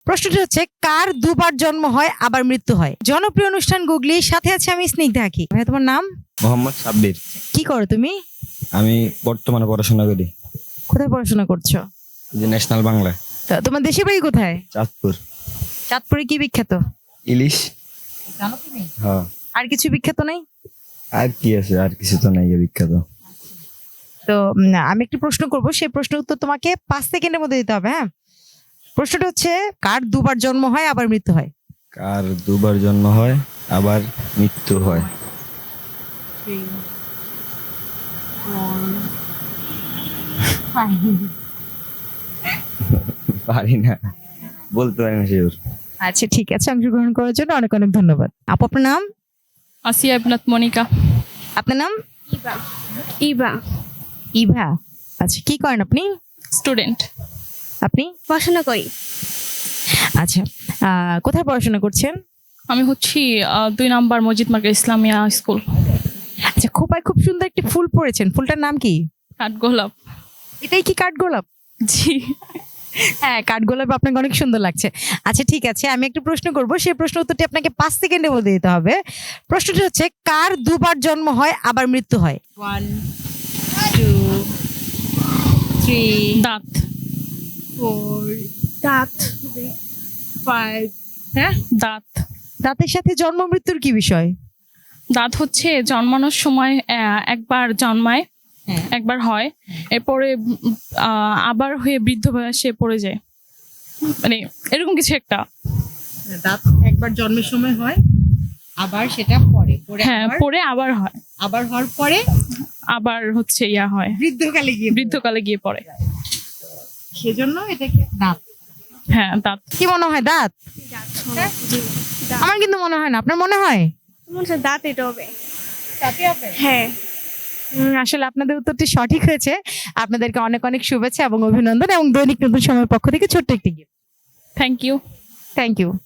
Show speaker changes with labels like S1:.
S1: প্রশ্নটি হচ্ছে, কার দুবার জন্ম হয় আবার মৃত্যু হয়? জনপ্রিয় অনুষ্ঠান গুগলি, সাথে আছে আমি স্নিগ্ধা আঁকি। ভাই, তোমার নাম?
S2: মোহাম্মদ সাব্বির।
S1: কি করো তুমি?
S2: আমি বর্তমানে পড়াশোনা করি
S1: কোথায় পড়াশোনা করছো?
S2: যে ন্যাশনাল বাংলা।
S1: তা তোমার দেশের বাড়ি কোথায়?
S2: চাঁদপুর।
S1: চাঁদপুরে কি বিখ্যাত?
S2: ইলিশ।
S1: জানো তুমি?
S2: হ্যাঁ।
S1: আর কিছু বিখ্যাত নেই?
S2: আর কি আছে? আর কিছু তো নাই বিখ্যাত।
S1: তো আমি একটি প্রশ্ন করব, সেই প্রশ্নের উত্তর তোমাকে 5 সেকেন্ডের মধ্যে দিতে হবে। হ্যাঁ, প্রশ্নটা হচ্ছে, কার দুবার জন্ম হয় আবার মৃত্যু হয়?
S2: কার দুবার জন্ম হয় আবার মৃত্যু হয়? পারি না, বলতে পারি না শিওর।
S1: আচ্ছা, ঠিক আছে, অংশগ্রহণ করার জন্য অনেক অনেক ধন্যবাদ। আপু, আপনার নাম?
S3: আসিয়া ইবনাত মনিকা।
S1: আপনার নাম?
S4: ইবা ইবা
S1: ইভা। আচ্ছা, কি করেন আপনি?
S3: স্টুডেন্ট।
S1: আপনি?
S4: পড়াশোনা করি।
S1: আচ্ছা, কোথায় পড়াশোনা করছেন?
S3: আমি হচ্ছি 2 নাম্বার মসজিদ মার্কেট ইসলামিয়া স্কুল।
S1: আচ্ছা, খোপায় খুব সুন্দর একটি ফুল পড়েছেন, ফুলটার নাম কি?
S3: কাঠগোলাপ।
S1: এটাই কি কাঠগোলাপ?
S3: জি।
S1: হ্যাঁ, কাঠগোলাপ আপনাকে অনেক সুন্দর লাগছে। আচ্ছা, ঠিক আছে, আমি একটা প্রশ্ন করব, সেই প্রশ্ন উত্তরটি আপনাকে 5 সেকেন্ডের মধ্যে দিতে হবে। প্রশ্নটি হচ্ছে, কার দুবার জন্ম হয় আবার মৃত্যু হয়? 1 2 3
S3: দাঁত।
S1: 4
S4: দাঁত
S1: 5। হ্যাঁ,
S3: দাঁত।
S1: দাঁতের সাথে জন্ম মৃত্যুর কি বিষয়?
S3: দাঁত হচ্ছে জন্মানোর সময় একবার জন্মায়,
S1: হ্যাঁ।
S3: একবার হয়, এরপরে আবার হয়ে বৃদ্ধ বয়সে পড়ে যায়, মানে এরকম কিছু একটা।
S1: দাঁত একবার জন্মের সময় হয়, আবার সেটা পরে
S3: হ্যাঁ, পরে আবার হয়,
S1: আবার হওয়ার পরে
S3: আবার হচ্ছে ইয়া হয়,
S1: বৃদ্ধকালে গিয়ে
S3: বৃদ্ধকালে গিয়ে পড়ে।
S1: সেজন্য এটাকে দাঁত।
S3: হ্যাঁ, দাঁত।
S1: কি মনে হয়, দাঁত? আমার কিন্তু মনে হয় না, আপনার মনে হয়?
S4: মনে হচ্ছে দাঁত এটা হবে। হ্যাঁ।
S1: আসলে আপনাদের উত্তরটি সঠিক হয়েছে। আপনাদেরকে অনেক অনেক শুভেচ্ছা এবং অভিনন্দন, এবং দৈনিক নতুন সময়ের পক্ষ থেকে ছোট্ট একটি gift.
S3: Thank you.
S1: Thank you.